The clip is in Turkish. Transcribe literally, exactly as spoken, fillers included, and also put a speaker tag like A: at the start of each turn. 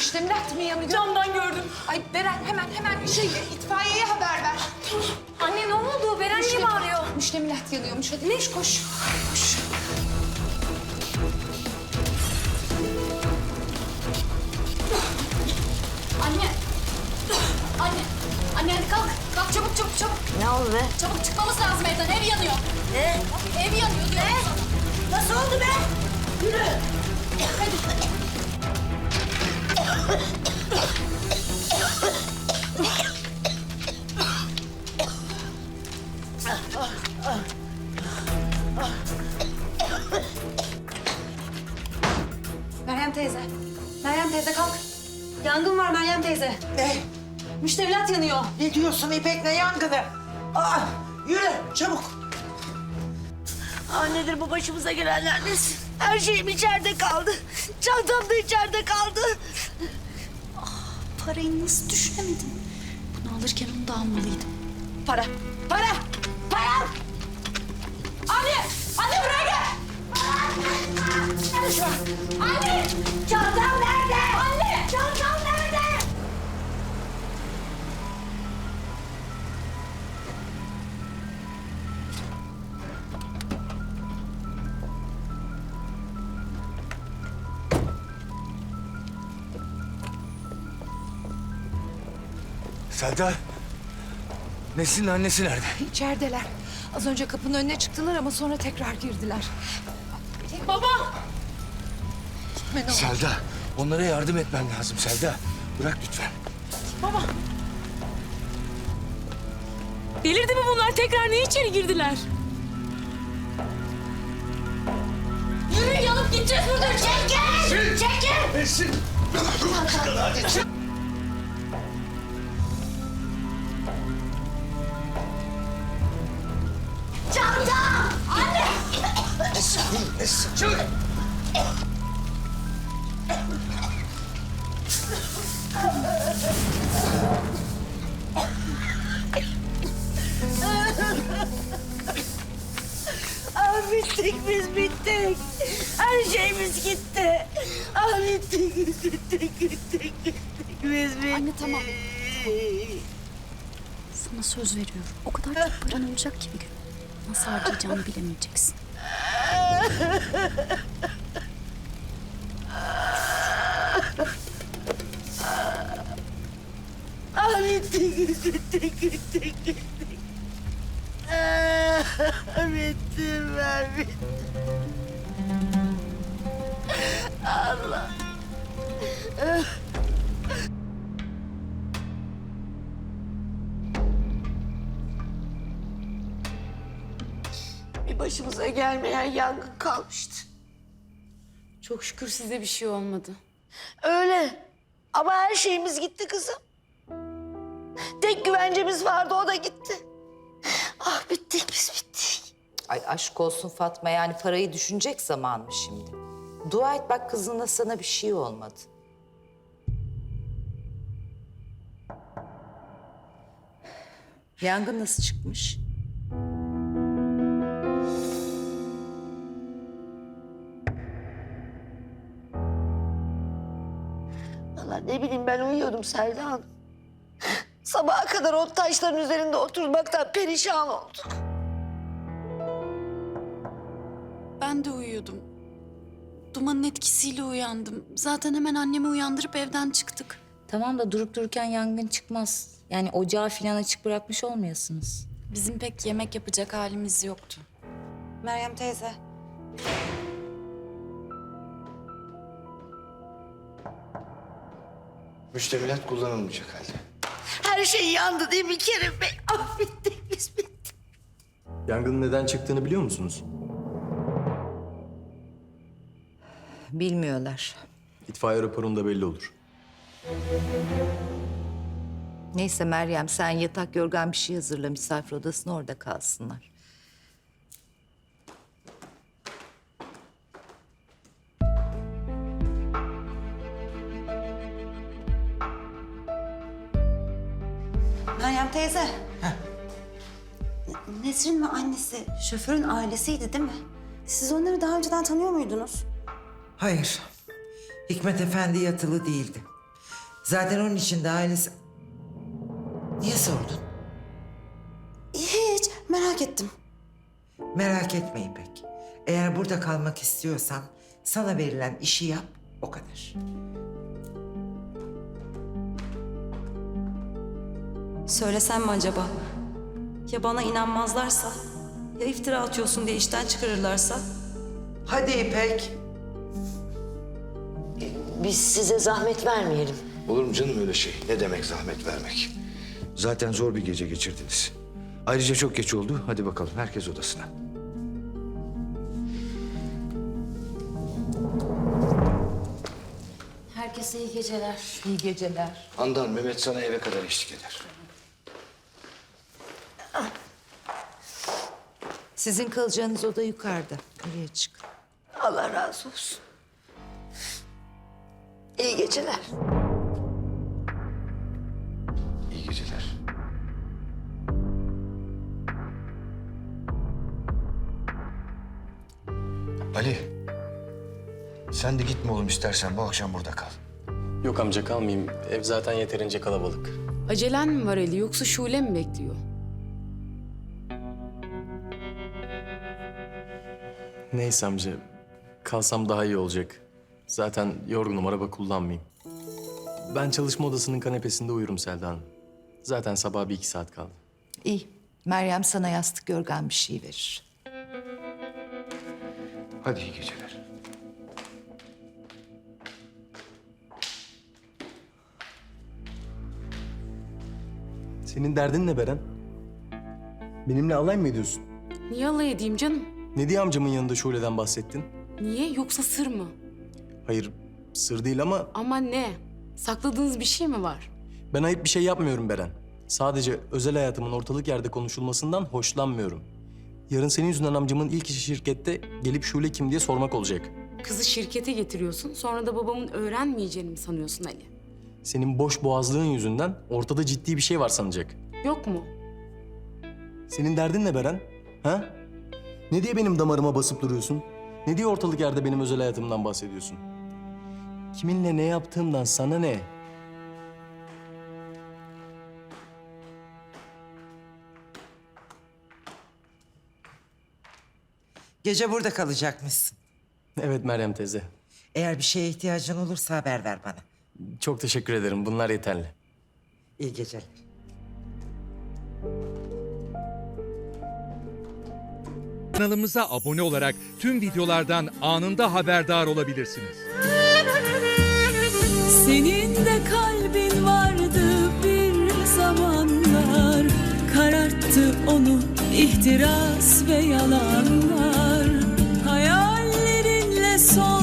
A: Müştemilat mı yanıyor?
B: Camdan gördüm.
A: Ay Beren hemen hemen şey itfaiyeye haber ver.
B: Anne ne oldu? Beren niye
A: Müştemilat-
B: bağırıyor?
A: Müştemilat yanıyormuş. Hadi koş koş. Koş.
B: Anne. Anne. Anne hadi kalk. Kalk çabuk çabuk çabuk.
C: Ne oldu be?
B: Çabuk çıkmamız lazım evden. Ev yanıyor.
C: Ne?
B: Ev yanıyor diyorum sana.
C: Nasıl oldu be? Yürü.
B: Meryem teyze. Meryem teyze kalk. Yangın var Meryem teyze.
D: Ne?
B: Müştemilat yanıyor.
D: Ne diyorsun İpek, ne yangını? Aa, yürü çabuk.
C: Aa, nedir bu başımıza gelenler nesin? Her şeyim içeride kaldı. Çantam da içeride kaldı.
B: Parayı nasıl düşünemedim? Bunu alırken onu da almalıydım.
C: Para, para, para!
B: Anne! Anne buraya gel!
C: Anne! Çantam nerede?
B: Anne!
C: Çantam nerede?
E: Selda, Nesin'in annesi nerede?
A: İçerideler. Az önce kapının önüne çıktılar ama sonra tekrar girdiler.
B: Baba!
A: Gitme ne olur.
E: Selda, onlara yardım etmen lazım Selda. Bırak lütfen.
B: Baba! Delirdi mi bunlar? Tekrar niye içeri girdiler? Yürü yanıp gideceğiz buradan. Çekil! Çekil!
E: Nesin? Hadi çık.
C: Çantam! Anne!
E: Nesin? Nesin? Çık!
C: Aa, bittik biz bittik. Her şeyimiz gitti. Aa, bittik biz bittik bittik bittik biz bittik.
B: Anne, tamam. Sana söz veriyorum. O kadar çok paran olacak ki bir gün. Nasıl harcayacağını bilemeyeceksin.
C: Aa, bittik biz bittik bittik bittik. Aa, bittim ben bittim. Allah. Bir başımıza gelmeyen yangın kalmıştı.
B: Çok şükür size bir şey olmadı.
C: Öyle. Ama her şeyimiz gitti kızım. Tek güvencemiz vardı, o da gitti. Ah, bittik biz bittik.
F: Ay aşk olsun Fatma, yani parayı düşünecek zaman mı şimdi? Dua et bak kızına, sana bir şey olmadı. Yangın nasıl çıkmış?
C: Vallahi ne bileyim, ben uyuyordum Selda Hanım. Sabaha kadar o taşların üzerinde oturmaktan perişan olduk.
G: Ben de uyuyordum. Dumanın etkisiyle uyandım. Zaten hemen annemi uyandırıp evden çıktık.
F: Tamam da durup dururken yangın çıkmaz. Yani ocağı falan açık bırakmış olmayasınız.
G: Bizim pek yemek yapacak halimiz yoktu.
H: Meryem teyze.
E: Müştemilat kullanılmayacak halde.
C: Her şey yandı değil mi Kerim Bey? Ah, bittik biz bittik.
I: Yangının neden çıktığını biliyor musunuz?
F: Bilmiyorlar.
I: İtfaiye raporunda belli olur.
F: Neyse Meryem, sen yatak yorgan bir şey hazırla, misafir odasına, orada kalsınlar.
H: Meryem teyze. Nesrin ve annesi şoförün ailesiydi değil mi? Siz onları daha önceden tanıyor muydunuz?
D: Hayır. Hikmet Efendi yatılı değildi.
J: Zaten onun için de ailesi... Niye sordun?
H: Hiç merak ettim.
J: Merak etme İpek. Eğer burada kalmak istiyorsan sana verilen işi yap, o kadar.
H: Söylesem mi acaba? Ya bana inanmazlarsa? Ya iftira atıyorsun diye işten çıkarırlarsa?
J: Hadi İpek.
C: Biz size zahmet vermeyelim.
E: Olur mu canım öyle şey? Ne demek zahmet vermek? Zaten zor bir gece geçirdiniz. Ayrıca çok geç oldu. Hadi bakalım herkes odasına.
C: Herkese iyi geceler.
F: İyi geceler.
E: Handan, Mehmet sana eve kadar eşlik eder.
F: Sizin kalacağınız oda yukarıda. Oraya çık.
C: Allah razı olsun. İyi geceler.
E: İyi geceler. Ali, sen de gitme oğlum istersen. Bu akşam burada kal.
I: Yok amca kalmayayım. Ev zaten yeterince kalabalık.
K: Acelen mi var Ali yoksa Şule mi bekliyor?
I: Neyse amca. Kalsam daha iyi olacak. Zaten yorgunum, araba kullanmayayım. Ben çalışma odasının kanepesinde uyurum Selda Hanım. Zaten sabah bir iki saat kaldı.
F: İyi. Meryem sana yastık yorgan bir şey verir.
E: Hadi iyi geceler.
I: Senin derdin ne Beren? Benimle alay mı ediyorsun?
K: Niye alay edeyim canım?
I: Ne diye amcamın yanında Şule'den bahsettin?
K: Niye yoksa sır mı?
I: Hayır, sır değil ama
K: Ama ne? Sakladığınız bir şey mi var?
I: ben ayıp bir şey yapmıyorum Beren. Sadece özel hayatımın ortalık yerde konuşulmasından hoşlanmıyorum. Yarın senin yüzünden amcamın ilk işi şirkette gelip Şule kim diye sormak olacak.
K: Kızı şirkete getiriyorsun sonra da babamın öğrenmeyeceğini mi sanıyorsun Ali?
I: Senin boş boğazlığın yüzünden ortada ciddi bir şey var sanacak.
K: Yok mu?
I: Senin derdin ne Beren? Ha? Ne diye benim damarıma basıp duruyorsun? Ne diye ortalık yerde benim özel hayatımdan bahsediyorsun? Kiminle ne yaptığımdan sana ne?
J: Gece burada kalacakmışsın.
I: Evet Meryem teyze.
J: Eğer bir şeye ihtiyacın olursa haber ver bana.
I: Çok teşekkür ederim. Bunlar yeterli.
J: İyi geceler.
L: Kanalımıza abone olarak tüm videolardan anında haberdar olabilirsiniz.
G: Senin de kalbin vardı bir zamanlar. Kararttı onu ihtiras ve yalanlar. Hayallerinle son